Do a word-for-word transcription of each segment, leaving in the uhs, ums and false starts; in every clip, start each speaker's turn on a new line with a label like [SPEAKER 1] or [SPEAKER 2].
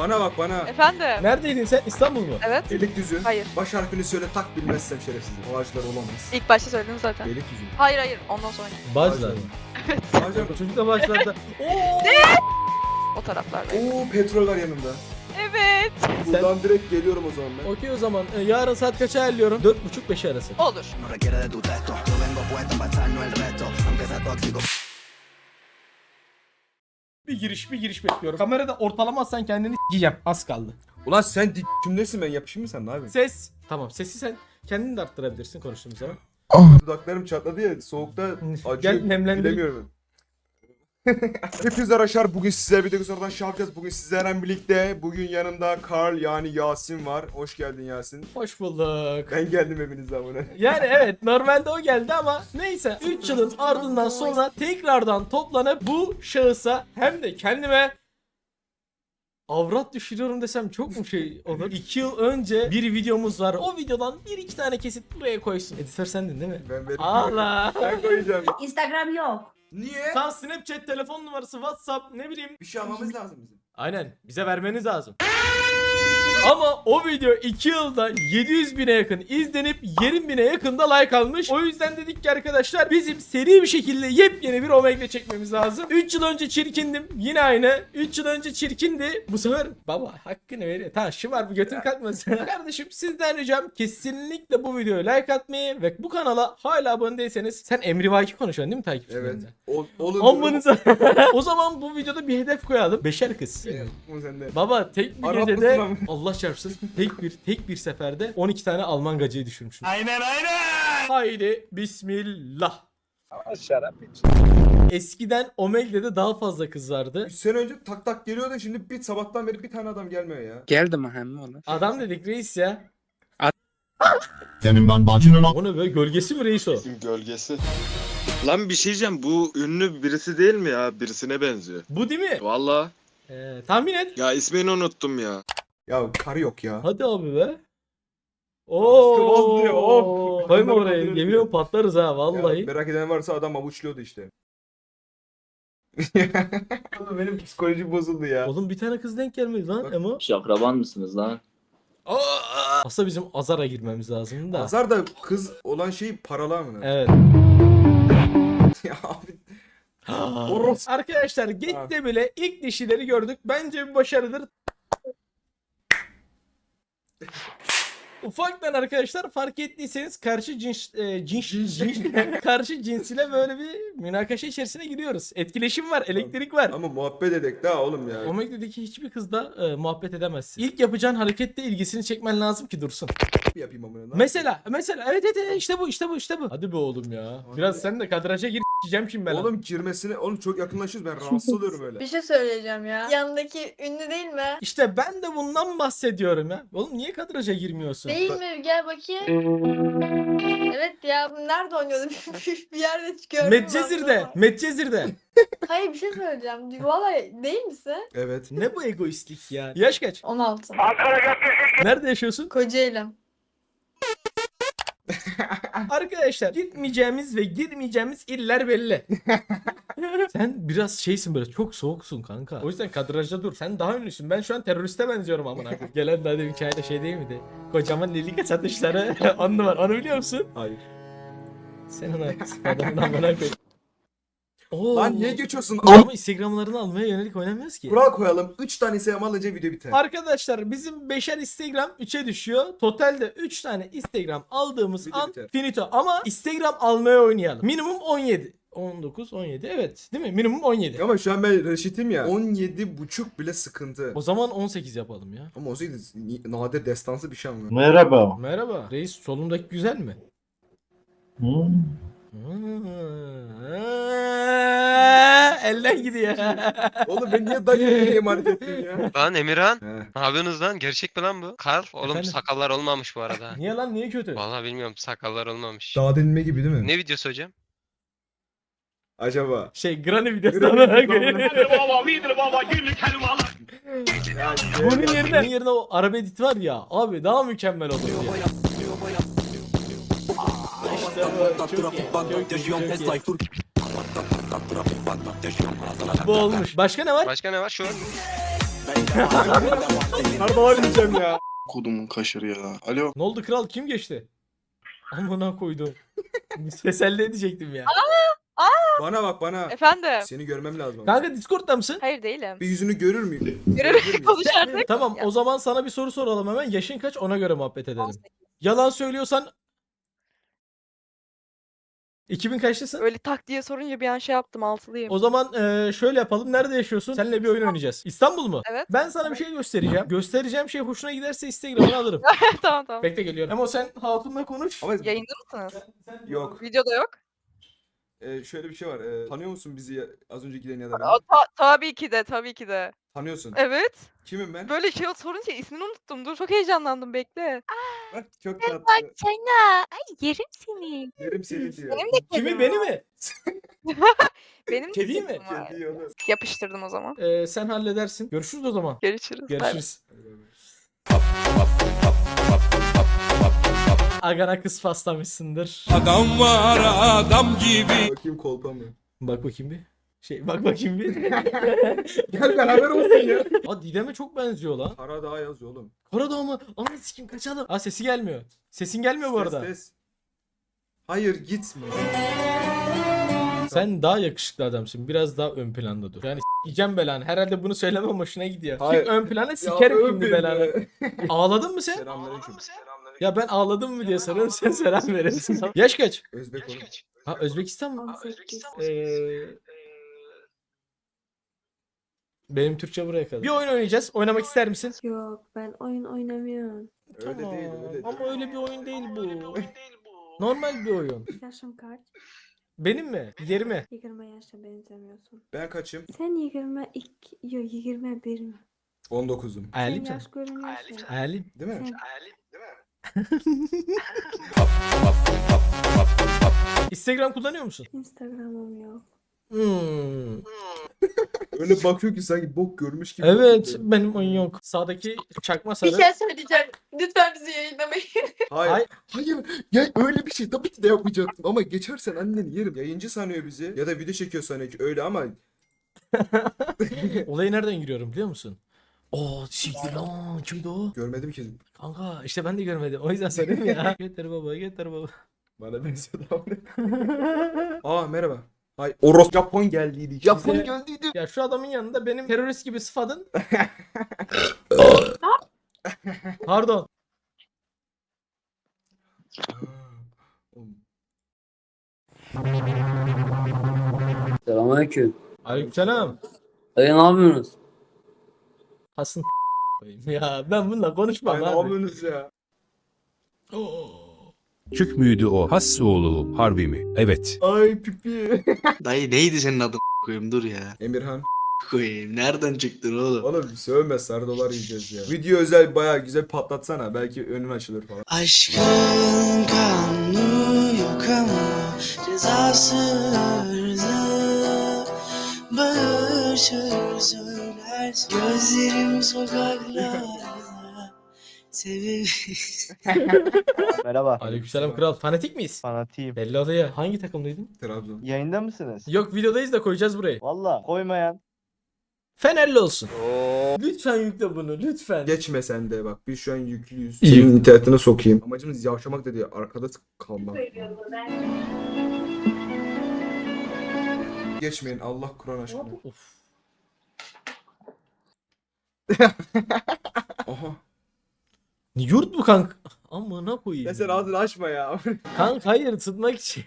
[SPEAKER 1] Bana bak bana.
[SPEAKER 2] Efendim?
[SPEAKER 3] Neredeydin sen? İstanbul mu?
[SPEAKER 2] Evet.
[SPEAKER 1] Beylikdüzü.
[SPEAKER 2] Hayır.
[SPEAKER 1] Baş harfini söyle tak bilmezsem şerefsizim. O ağaçlar olamaz.
[SPEAKER 2] İlk başta söyledim zaten.
[SPEAKER 1] Beylikdüzü.
[SPEAKER 2] Hayır hayır. Ondan sonra.
[SPEAKER 3] Bağcılar.
[SPEAKER 1] Bağcılar.
[SPEAKER 3] Bu çocuk da başlarda.
[SPEAKER 2] O taraflarda.
[SPEAKER 1] Oo petrol var yanımda.
[SPEAKER 2] Evet.
[SPEAKER 1] Buradan direkt geliyorum o zaman ben.
[SPEAKER 3] Okey o zaman e, yarın saat kaça ayarlıyorum? dört buçuk beş arası.
[SPEAKER 2] Olur.
[SPEAKER 3] Bir giriş bir giriş bekliyorum. Kamerada ortalamazsan kendini s**eceğim. Az kaldı.
[SPEAKER 1] Ulan sen dik kimdesin, ben yapışayım mı sen, ne yapıyorsun?
[SPEAKER 3] Ses. Tamam sesi sen kendin de arttırabilirsin konuştuğumuz zaman.
[SPEAKER 1] Dudaklarım çatladı ya, soğukta acıyor.
[SPEAKER 3] Gel nemlendir.
[SPEAKER 1] Bilemiyorum. Hepinize arkadaşlar, bugün sizlerle birlikte sonradan şey yapacağız. Bugün sizlerle birlikte, bugün yanımda Karl yani Yasin var. Hoş geldin Yasin.
[SPEAKER 3] Hoş bulduk.
[SPEAKER 1] Ben geldim hepinizden buna.
[SPEAKER 3] Yani evet normalde o geldi ama neyse üç yılın ardından sonra tekrardan toplanıp bu şahısa hem de kendime avrat düşürüyorum desem çok mu şey olur? iki yıl önce bir videomuz var. O videodan bir iki tane kesit buraya koysun. Editör sendin değil mi?
[SPEAKER 1] Ben veririm.
[SPEAKER 3] Allah.
[SPEAKER 1] Ben koyacağım.
[SPEAKER 4] Instagram yok.
[SPEAKER 1] Niye?
[SPEAKER 3] Tam Snapchat, telefon numarası, WhatsApp ne bileyim.
[SPEAKER 1] Bir şey almamız lazım bizim.
[SPEAKER 3] Aynen bize vermeniz lazım. Ama o video iki yılda yedi yüz bine yakın izlenip yirmi bine yakında like almış. O yüzden dedik ki arkadaşlar bizim seri bir şekilde yepyeni bir Omegle çekmemiz lazım. üç yıl önce çirkindim. Yine aynı. üç yıl önce çirkindi. Bu sefer baba hakkını veriyor. Tamam şu var bu götün kalkmasın. Kardeşim sizden ricam kesinlikle bu videoya like atmayı ve bu kanala hala abone değilseniz sen Emri Vaki konuşuyorsun değil mi
[SPEAKER 1] Evet.
[SPEAKER 3] takipçilerinde?
[SPEAKER 1] Ol, olun.
[SPEAKER 3] Ammanıza. O zaman bu videoda bir hedef koyalım. Beşer kız.
[SPEAKER 1] Evet, bu sende.
[SPEAKER 3] Baba tek bir
[SPEAKER 1] Arap
[SPEAKER 3] gecede
[SPEAKER 1] mısın
[SPEAKER 3] Allah çarpsın tek bir tek bir seferde on iki tane Alman gacıyı düşürmüşüm. Aynen aynen. Haydi bismillah.
[SPEAKER 5] Şarap iç.
[SPEAKER 3] Eskiden Omegle'de daha fazla kız vardı.
[SPEAKER 1] üç sene önce tak tak geliyordu, şimdi bir sabahtan beri bir tane adam gelmiyor ya.
[SPEAKER 5] Geldi mi hem oğlum?
[SPEAKER 3] Adam dedik reis ya.
[SPEAKER 6] Senin ben bacının
[SPEAKER 3] O ne böyle gölgesi mi reis o?
[SPEAKER 7] Gölgesi. Lan bir şey diyeceğim, bu ünlü birisi değil mi ya? Birisine benziyor.
[SPEAKER 3] Bu değil mi?
[SPEAKER 7] Valla.
[SPEAKER 3] Ee, tahmin et.
[SPEAKER 7] Ya ismini unuttum ya.
[SPEAKER 1] Ya karı yok ya.
[SPEAKER 3] Hadi abi be.
[SPEAKER 1] Sıvaz diyor,
[SPEAKER 3] Oo.
[SPEAKER 1] of.
[SPEAKER 3] Koyma
[SPEAKER 1] Adamlar
[SPEAKER 3] oraya.
[SPEAKER 1] kaldırıyor
[SPEAKER 3] Yemin
[SPEAKER 1] diyor.
[SPEAKER 3] ediyorum patlarız ha vallahi.
[SPEAKER 1] Ya, merak eden varsa adam avuçluyordu işte. Oğlum benim psikolojim bozuldu ya.
[SPEAKER 3] Oğlum bir tane kız denk gelmedi lan
[SPEAKER 1] Bak.
[SPEAKER 3] Emo.
[SPEAKER 6] Akraban mısınız lan?
[SPEAKER 3] Aslında bizim Azar'a girmemiz lazım da.
[SPEAKER 1] Azar da kız olan şeyi paralar mı?
[SPEAKER 3] Evet.
[SPEAKER 1] Ya abi.
[SPEAKER 3] Oros. Arkadaşlar gitti bile ilk dişileri gördük. Bence bir başarıdır. Ufaktan arkadaşlar fark ettiyseniz karşı cins, e, cins, cins karşı cins ile böyle bir münakaşa içerisine giriyoruz. Etkileşim var, elektrik var.
[SPEAKER 1] Ama muhabbet edek daha oğlum ya.
[SPEAKER 3] Omegle'deki hiçbir kızla e, muhabbet edemezsin. İlk yapacağın harekette ilgisini çekmen lazım ki dursun.
[SPEAKER 1] Bir yapayım amına. lan.
[SPEAKER 3] Mesela, mesela evet evet evet, işte bu işte bu işte bu. Hadi be oğlum ya. Biraz sen de kadraja gir diyeceğim şimdi ben.
[SPEAKER 1] Oğlum girmesine, oğlum çok yakınlaşıyoruz, ben rahatsız oluyorum öyle.
[SPEAKER 8] Bir şey söyleyeceğim ya. Yanındaki ünlü değil mi?
[SPEAKER 3] İşte ben de bundan bahsediyorum ya. Oğlum niye kadraja girmiyorsun?
[SPEAKER 8] Değil mi? Gel bakayım. Evet ya. Nerede oynuyordu? Bir yerde çıkıyor.
[SPEAKER 3] Medcezir'de, Medcezir'de.
[SPEAKER 8] Hayır bir şey söyleyeceğim. Vallahi değil misin?
[SPEAKER 1] Evet.
[SPEAKER 3] Ne bu egoistlik ya? Yaş kaç?
[SPEAKER 8] on altı.
[SPEAKER 3] Nerede yaşıyorsun?
[SPEAKER 8] Kocaeli.
[SPEAKER 3] Arkadaşlar gitmeyeceğimiz ve girmeyeceğimiz iller belli. Sen biraz şeysin böyle çok soğuksun kanka. O yüzden kadrajda dur. Sen daha ünlüsün. Ben şu an teröriste benziyorum amına koyayım. Gelen daha demin hikayede şey değil miydi? Kocaman lilika satışları on numara. Onu biliyor musun?
[SPEAKER 1] Hayır.
[SPEAKER 3] Senin o adamın amına koyayım. Oo.
[SPEAKER 1] Lan niye geçiyorsun?
[SPEAKER 3] Ama Instagram'larını almaya yönelik oynamıyoruz ki.
[SPEAKER 1] Kural koyalım. üç tane Instagram alınca video biter.
[SPEAKER 3] Arkadaşlar bizim beşer Instagram üçe düşüyor. Totalde üç tane Instagram aldığımız
[SPEAKER 1] Video
[SPEAKER 3] an
[SPEAKER 1] biter.
[SPEAKER 3] finito. Ama Instagram almaya oynayalım. Minimum on yedi. on dokuz, on yedi evet değil mi? Minimum on yedi.
[SPEAKER 1] Ama şu an ben reşitim ya. on yedi buçuk bile sıkıntı.
[SPEAKER 3] O zaman on sekiz yapalım ya.
[SPEAKER 1] Ama o zaman nadir destansı bir şey ama.
[SPEAKER 6] Merhaba.
[SPEAKER 3] Merhaba. Reis solundaki güzel mi?
[SPEAKER 6] Hmm.
[SPEAKER 3] Hmm. Elden gidiyor.
[SPEAKER 1] Oğlum ben niye dayıya emanet ettim ya?
[SPEAKER 9] Lan Emirhan,
[SPEAKER 1] He.
[SPEAKER 9] ne yapıyorsunuz lan? Gerçek mi lan bu? Karl, oğlum
[SPEAKER 3] Efendim?
[SPEAKER 9] sakallar olmamış bu arada.
[SPEAKER 3] Niye lan niye kötü?
[SPEAKER 9] Vallahi bilmiyorum, sakallar olmamış.
[SPEAKER 1] Daha denilme gibi değil mi?
[SPEAKER 9] Ne videosu hocam?
[SPEAKER 1] Acaba?
[SPEAKER 3] Şey Granny videosu.
[SPEAKER 1] Granny videosu.
[SPEAKER 3] Bunun yerine, bunun yerine o araba edit var ya abi daha mükemmel olur ya. İşte bu. Çok iyi. Çok iyi. Çok iyi. Bu olmuş. Başka ne var?
[SPEAKER 9] Başka ne var şu an?
[SPEAKER 1] Kardalar diyeceğim ya.
[SPEAKER 4] Kodumun kaşarı ya. Alo.
[SPEAKER 3] Ne oldu kral, kim geçti? Amına koydum. Teselli edecektim ya.
[SPEAKER 1] Bana bak bana.
[SPEAKER 2] Efendim.
[SPEAKER 1] Seni görmem lazım. ama.
[SPEAKER 3] Kanka Discord'da mısın?
[SPEAKER 2] Hayır değilim.
[SPEAKER 1] Bir yüzünü görür müyüm?
[SPEAKER 2] Görürüm konuş artık.
[SPEAKER 3] Tamam
[SPEAKER 2] Ya.
[SPEAKER 3] o zaman sana bir soru soralım hemen. Yaşın kaç, ona göre muhabbet edelim.
[SPEAKER 2] on sekiz.
[SPEAKER 3] Yalan söylüyorsan iki bin kaçlısın?
[SPEAKER 2] Öyle tak diye sorunca bir an şey yaptım, altılıyım.
[SPEAKER 3] O zaman eee, şöyle yapalım. Nerede yaşıyorsun? Seninle bir oyun oynayacağız. İstanbul mu?
[SPEAKER 2] Evet.
[SPEAKER 3] Ben sana bir şey göstereceğim. Göstereceğim şey hoşuna giderse Instagram'ını alırım.
[SPEAKER 2] Tamam tamam.
[SPEAKER 3] Bekle geliyorum. Ama sen Hatun'la konuş.
[SPEAKER 1] Ama
[SPEAKER 2] Yayında mısınız?
[SPEAKER 1] yok.
[SPEAKER 2] Videoda yok.
[SPEAKER 1] Ee, şöyle bir şey var. Ee, tanıyor musun bizi ya- az önce giden ya da beni?
[SPEAKER 2] Aa, ta- tabii ki de, tabii ki de.
[SPEAKER 1] Tanıyorsun.
[SPEAKER 2] Evet.
[SPEAKER 1] Kimim ben?
[SPEAKER 2] Böyle şey sorunca ismini unuttum. Dur çok heyecanlandım, bekle.
[SPEAKER 1] Bak çok tatlı.
[SPEAKER 2] Sana. Ay yerim seni.
[SPEAKER 1] Yerim seni diyor.
[SPEAKER 2] Benim de
[SPEAKER 3] Kimi,
[SPEAKER 2] kedim
[SPEAKER 3] beni
[SPEAKER 2] var.
[SPEAKER 3] mi?
[SPEAKER 2] Benim de
[SPEAKER 3] Kediyi mi?
[SPEAKER 2] kedim var.
[SPEAKER 1] Kedi onu.
[SPEAKER 2] Yapıştırdım o zaman.
[SPEAKER 3] Eee, sen halledersin. Görüşürüz o zaman.
[SPEAKER 2] Görüşürüz. Bay bay.
[SPEAKER 3] Görüşürüz. Agana kız paslamışsındır.
[SPEAKER 1] Bakayım kolpa mı?
[SPEAKER 3] Bak bakayım bir. Şey bak bakayım bir.
[SPEAKER 1] Gel beraber olsun ya.
[SPEAKER 3] Aa Didem'e çok benziyor lan.
[SPEAKER 1] Karadağ yazıyor oğlum.
[SPEAKER 3] Karadağ mı? Ananı sikim kaçalım. Aa sesi gelmiyor. Sesin gelmiyor bu arada.
[SPEAKER 1] Ses, ses. Hayır gitme.
[SPEAKER 3] Sen daha yakışıklı adamsın. Biraz daha ön planda dur. Yani s**eceğim belanı. Herhalde bunu söylemem hoşuna gidiyor.
[SPEAKER 1] Hayır.
[SPEAKER 3] Çık ön plana sikerim şimdi belanı. Ağladın mı sen?
[SPEAKER 1] Selamünaleyküm.
[SPEAKER 3] Ya ben ağladım mı diye soruyorum, sen selam verirsin. Yaş kaç?
[SPEAKER 1] Özbek oğlum.
[SPEAKER 3] Ha Özbekistan mı?
[SPEAKER 8] on sekiz.
[SPEAKER 3] Ee, benim Türkçe buraya kadar. Bir oyun oynayacağız. Oynamak ister misin?
[SPEAKER 8] Yok ben oyun oynamıyorum.
[SPEAKER 1] Öyle
[SPEAKER 3] Tamam.
[SPEAKER 1] değil öyle değil.
[SPEAKER 3] Ama öyle bir oyun değil bu. Normal bir oyun.
[SPEAKER 8] Yaşım kaç?
[SPEAKER 3] Benim mi? yirmi.
[SPEAKER 8] yirmi yaşa benzemiyorsun.
[SPEAKER 1] Ben kaçım?
[SPEAKER 8] Sen yirmi iki, yok yirmi bir mi?
[SPEAKER 1] on dokuzum.
[SPEAKER 3] Alim
[SPEAKER 8] Sen
[SPEAKER 3] sen.
[SPEAKER 8] yaş görünüyorsun.
[SPEAKER 3] Alim.
[SPEAKER 1] Değil mi?
[SPEAKER 8] Sen
[SPEAKER 3] Instagram kullanıyor musun?
[SPEAKER 8] Instagram'ım yok.
[SPEAKER 3] Hmm.
[SPEAKER 1] Öyle bakıyor ki sanki bok görmüş gibi.
[SPEAKER 3] Evet
[SPEAKER 1] bakıyor.
[SPEAKER 3] benim oyun yok. Sağdaki çakma
[SPEAKER 8] Bir
[SPEAKER 3] sarı.
[SPEAKER 8] şey söyleyeceğim. Lütfen bizi yayınlamayın.
[SPEAKER 1] Hayır.
[SPEAKER 3] Ay-
[SPEAKER 1] Hayır. Ya öyle bir şey tabii ki de yapmayacaktım ama geçersen anneni yerim. Yayıncı sanıyor bizi ya da video çekiyor sanıyor ki öyle ama
[SPEAKER 3] Olaya nereden giriyorum biliyor musun? Oo siktir lan, kimdi o?
[SPEAKER 1] görmedim ki.
[SPEAKER 3] Kanka işte ben de görmedim. O yüzden söyleyeyim ya. Getir baba, getir baba.
[SPEAKER 1] Bana benziyor da Aa merhaba. Ay Oros Japon geldiydi. Japon
[SPEAKER 3] Size-
[SPEAKER 1] geldiydi.
[SPEAKER 3] Ya şu adamın yanında benim terörist gibi sıfadın. Pardon.
[SPEAKER 6] Selamünaleyküm.
[SPEAKER 3] Aleykümselam.
[SPEAKER 6] Dayı ne yapıyorsunuz?
[SPEAKER 3] Hasın koyayım ya, ben bununla konuşmam
[SPEAKER 1] Ay ne
[SPEAKER 3] abi.
[SPEAKER 1] yapıyorsunuz ya?
[SPEAKER 10] Küçük müydü o? Has oğlu harbi mi? Evet.
[SPEAKER 1] Ay pipi.
[SPEAKER 5] Dayı neydi senin adın koyayım dur ya.
[SPEAKER 1] Emirhan.
[SPEAKER 5] Koyayım. Nereden çıktın oğlum?
[SPEAKER 1] Oğlum sövme sarı dolar yiyeceğiz ya. Video özel bayağı güzel patlatsana. Belki önün açılır falan.
[SPEAKER 5] Aşkın kanunu yok ama cezası hırzı. Bağırır söyler gözlerim sokaklarda. Sevim.
[SPEAKER 11] Merhaba.
[SPEAKER 3] Aleykümselam kral. Fanatik miyiz?
[SPEAKER 11] Fanatiyim.
[SPEAKER 3] Belli oluyor. Hangi takımdaydın?
[SPEAKER 1] Trabzon.
[SPEAKER 11] Yayında mısınız?
[SPEAKER 3] Yok videodayız da koyacağız burayı.
[SPEAKER 11] Valla koymayan.
[SPEAKER 3] Fenerli olsun. Lütfen yükle bunu lütfen.
[SPEAKER 1] Geçme sen de bak. Biz şu an yüklüyüz.
[SPEAKER 3] İyi.
[SPEAKER 1] Senin internetine sokayım. Amacımız yavşamak dedi. Arkada kalmak. Geçmeyin Allah Kur'an aşkına.
[SPEAKER 3] Of.
[SPEAKER 1] Aha.
[SPEAKER 3] Yurt mu kanka? Amına koyayım.
[SPEAKER 1] Ya sen ağzını açma ya.
[SPEAKER 3] Kanka hayır, tutmak için.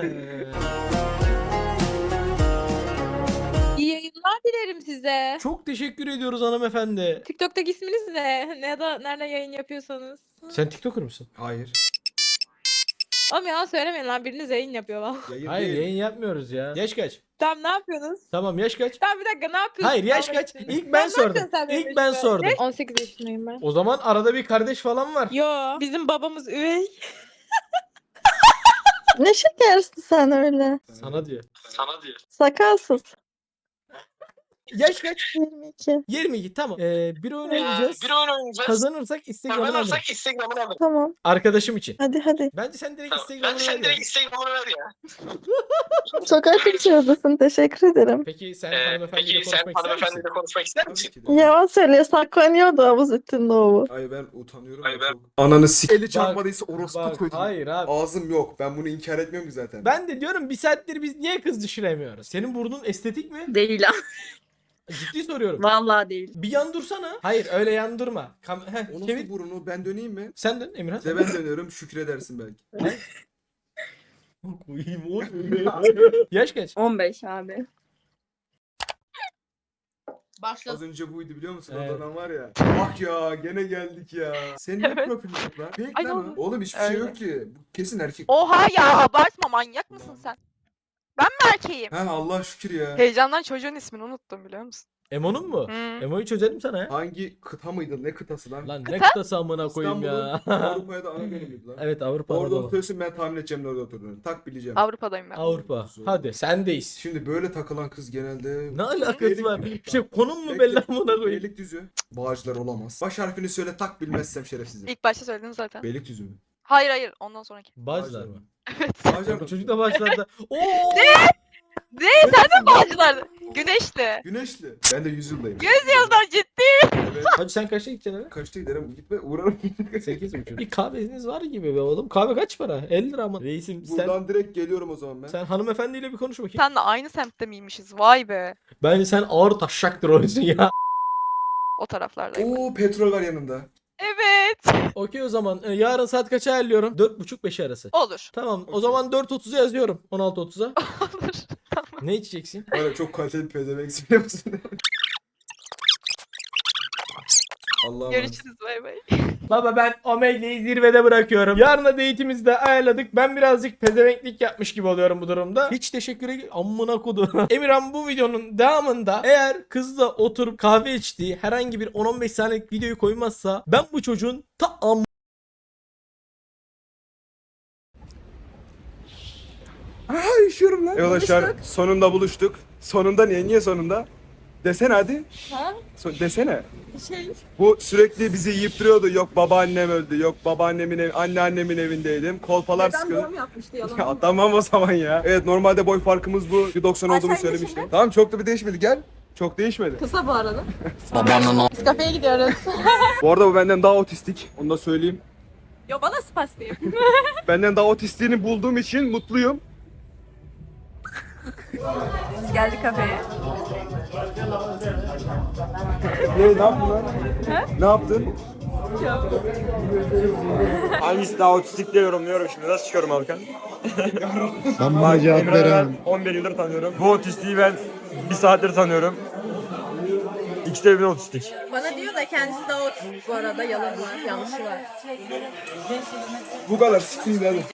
[SPEAKER 8] İyi yayınlar dilerim size.
[SPEAKER 3] Çok teşekkür ediyoruz hanımefendi.
[SPEAKER 8] TikTok'taki isminiz ne? Ne da nereden yayın yapıyorsanız.
[SPEAKER 3] Sen TikToker mısın?
[SPEAKER 1] Hayır.
[SPEAKER 8] Oğlum yalan söylemeyin lan, biriniz yayın yapıyor lan.
[SPEAKER 1] Yayın
[SPEAKER 3] Hayır
[SPEAKER 1] değil.
[SPEAKER 3] yayın yapmıyoruz ya. Yaş kaç?
[SPEAKER 8] Tamam ne yapıyorsunuz?
[SPEAKER 3] Tamam yaş kaç?
[SPEAKER 8] Tamam bir dakika ne yapıyorsun?
[SPEAKER 3] Hayır yaş kaç? İlk ben sordum. İlk ben sordum.
[SPEAKER 8] on sekiz yaşındayım ben.
[SPEAKER 3] O zaman arada bir kardeş falan var.
[SPEAKER 8] Yo bizim babamız üvey.
[SPEAKER 12] Ne şekersin sen öyle.
[SPEAKER 3] Sana diyor.
[SPEAKER 9] Sana diyor.
[SPEAKER 12] Sakalsız.
[SPEAKER 3] Yaş kaç?
[SPEAKER 8] yirmi iki.
[SPEAKER 3] yirmi iki tamam. Ee, bir oyun oynayacağız.
[SPEAKER 6] Bir oyun oynayacağız.
[SPEAKER 3] Kazanırsak Instagram'ını alırım.
[SPEAKER 6] Kazanırsak Instagram'ını alırım.
[SPEAKER 8] Tamam.
[SPEAKER 3] Arkadaşım için.
[SPEAKER 8] Hadi hadi.
[SPEAKER 3] Bence sen direkt
[SPEAKER 6] Tamam.
[SPEAKER 3] Instagram'ını
[SPEAKER 6] Bence sen
[SPEAKER 3] ver
[SPEAKER 6] direkt
[SPEAKER 3] ya.
[SPEAKER 6] Instagram'ını ver ya.
[SPEAKER 8] Çok aktif çağırdasın. Teşekkür ederim.
[SPEAKER 3] Peki sen
[SPEAKER 6] Ee,
[SPEAKER 3] hanımefendiyle
[SPEAKER 6] peki sen
[SPEAKER 3] konuşmak ister misin?
[SPEAKER 6] hanımefendiyle konuşmak ister
[SPEAKER 1] Tabii
[SPEAKER 6] misin?
[SPEAKER 1] ki de.
[SPEAKER 8] Yalan söylüyor. Saklanıyordu havuz üstünde o.
[SPEAKER 1] Ay ben utanıyorum.
[SPEAKER 6] Ay
[SPEAKER 1] ya
[SPEAKER 6] ben-
[SPEAKER 1] çok. Ananı sik. Eli
[SPEAKER 3] Bak,
[SPEAKER 1] çarpmadıysa orospu
[SPEAKER 3] Bak,
[SPEAKER 1] koydum.
[SPEAKER 3] hayır abi.
[SPEAKER 1] Ağzım yok. Ben bunu inkar etmiyorum ki zaten.
[SPEAKER 3] Ben de diyorum bir saattir biz niye kız düşüremiyoruz? Senin burnun estetik mi?
[SPEAKER 11] Değil ha.
[SPEAKER 3] Ciddi soruyorum.
[SPEAKER 11] Vallahi değil.
[SPEAKER 3] Bir yan dursana. Hayır öyle yan durma. Kam Heh,
[SPEAKER 1] O nasıl
[SPEAKER 3] çevir.
[SPEAKER 1] burun o? Ben döneyim mi?
[SPEAKER 3] Sen dön Emirhan.
[SPEAKER 1] De ben dönüyorum. Şükredersin belki.
[SPEAKER 3] Koyayım o. Yaş kaç?
[SPEAKER 11] on beş abi.
[SPEAKER 8] Başla.
[SPEAKER 1] Az önce buydu biliyor musun?
[SPEAKER 3] Evet.
[SPEAKER 1] O dönem var ya. Bak ya gene geldik ya. Senin ne
[SPEAKER 2] Evet.
[SPEAKER 1] profilin yok lan? Fake
[SPEAKER 2] Ay,
[SPEAKER 1] lan
[SPEAKER 2] ne
[SPEAKER 1] o.
[SPEAKER 2] oldu?
[SPEAKER 1] Oğlum hiçbir şey
[SPEAKER 2] Öyle.
[SPEAKER 1] yok ki. Bu kesin erkek.
[SPEAKER 2] Oha ya abartma manyak mısın sen? Ben mi erkeğim?
[SPEAKER 1] Ha Allah şükür ya.
[SPEAKER 2] Heyecandan çocuğun ismini unuttum biliyor musun?
[SPEAKER 3] Emo'nun mu?
[SPEAKER 2] Hmm.
[SPEAKER 3] Emo'yu çözelim sana ya.
[SPEAKER 1] Hangi kıta mıydı? Ne kıtası lan?
[SPEAKER 3] Lan ne kıtası amına koyayım ya.
[SPEAKER 1] İstanbul'un Avrupa'ya da ana gönüllüydü lan.
[SPEAKER 3] Evet Avrupa.
[SPEAKER 1] Orada
[SPEAKER 3] Anadolu.
[SPEAKER 1] oturuyorsun ben tahmin edeceğim nerede oturduğunu. Tak bileceğim.
[SPEAKER 2] Avrupa'dayım ben.
[SPEAKER 3] Avrupa.
[SPEAKER 1] Zor.
[SPEAKER 3] Hadi sendeyiz.
[SPEAKER 1] Şimdi böyle takılan kız genelde...
[SPEAKER 3] Ne alakası
[SPEAKER 1] Beylik-
[SPEAKER 3] var? İşte konum mu
[SPEAKER 1] Bekle.
[SPEAKER 3] belli amına koyayım?
[SPEAKER 1] Beylikdüzü. Cık, Bağcılar olamaz. Baş harfini söyle tak bilmezsem şerefsizim.
[SPEAKER 2] İlk başta söyledin zaten.
[SPEAKER 1] Beylikdüzü mü?
[SPEAKER 2] Hayır hayır ondan sonraki.
[SPEAKER 3] Bağcılar mı?
[SPEAKER 1] Bağcılar
[SPEAKER 3] Bu
[SPEAKER 1] mı?
[SPEAKER 3] çocuk da Bağcılar'da. Oo!
[SPEAKER 2] Ne? Sen de Bağcılar. Güneşli.
[SPEAKER 1] Güneşli. Ben de yüzyıldayım.
[SPEAKER 2] Yüzyıldan ciddi.
[SPEAKER 1] Evet.
[SPEAKER 3] Hadi sen kaçta gideceksin eve?
[SPEAKER 1] Kaçta giderim? Gitme uğrarım.
[SPEAKER 3] sekiz buçuk. Bir kahveniz var gibi be oğlum. Kahve kaç para? elli lira mı? Reisim sen,
[SPEAKER 1] Buradan direkt geliyorum o zaman ben.
[SPEAKER 3] sen hanımefendiyle bir konuş bakayım.
[SPEAKER 2] Senle aynı semtte miymişiz? Vay be.
[SPEAKER 3] Bence sen ağır taşşaktır oysun ya.
[SPEAKER 2] O taraflardayım.
[SPEAKER 1] Oo petrol var yanında.
[SPEAKER 2] Evet.
[SPEAKER 3] Okey o zaman. Ee, yarın saat kaça ayarlıyorum? dört buçuk beş arası.
[SPEAKER 2] Olur.
[SPEAKER 3] Tamam o
[SPEAKER 1] Okey.
[SPEAKER 3] zaman dört otuza yazıyorum. on altı otuza.
[SPEAKER 2] Olur.
[SPEAKER 3] Ne içeceksin?
[SPEAKER 1] Böyle çok kaliteli bir pezevenksin biliyor musun? Allah'a emanet.
[SPEAKER 2] Görüşürüz bay bay.
[SPEAKER 3] Baba ben Omegle'yi zirvede bırakıyorum. Yarına date'imizi de ayarladık. Ben birazcık pezevenklik yapmış gibi oluyorum bu durumda. Hiç teşekkür ederim. Amına kodu. Emirhan bu videonun devamında eğer kızla oturup kahve içtiği herhangi bir on on beş saniyelik videoyu koymazsa ben bu çocuğun ta am
[SPEAKER 1] Aa üşüyorum lan. Evet arkadaşlar sonunda buluştuk. Sonunda niye? Niye sonunda? Desene hadi.
[SPEAKER 8] Ha?
[SPEAKER 1] So- desene.
[SPEAKER 8] Şey.
[SPEAKER 1] Bu sürekli bizi yiyip duruyordu. Yok babaannem öldü. Yok babaannemin ev, anneannemin evindeydim. Kolpalar sıkıyordu.
[SPEAKER 8] yapmıştı
[SPEAKER 1] Ya tamam o zaman ya. Evet normalde boy farkımız bu. bir doksan
[SPEAKER 8] Ay,
[SPEAKER 1] olduğunu
[SPEAKER 8] sen
[SPEAKER 1] söylemiştim. Tamam çok da bir değişmedi. Gel. Çok değişmedi.
[SPEAKER 8] Kısa bu arada. Biz kafeye gidiyoruz.
[SPEAKER 1] Bu arada bu benden daha otistik. Onu da söyleyeyim.
[SPEAKER 8] Yo bana spastayım.
[SPEAKER 1] Benden daha otistiğini bulduğum için mutluyum.
[SPEAKER 8] Biz geldik kafeye.
[SPEAKER 1] Ne, ne yaptın lan? Ne yaptın?
[SPEAKER 12] Hangisi daha otistik diye yorumluyorum şimdi. Nasıl çıkıyorum Alkan?
[SPEAKER 6] Ben
[SPEAKER 12] Bak, Emre'yi ben on bir yıldır tanıyorum. Bu otistiği ben bir saattir tanıyorum. İkisi de birbirine otistik.
[SPEAKER 8] Bana diyor da kendisi de o bu arada yalan var, yanlışı var.
[SPEAKER 1] Bu kadar. Siktir hadi.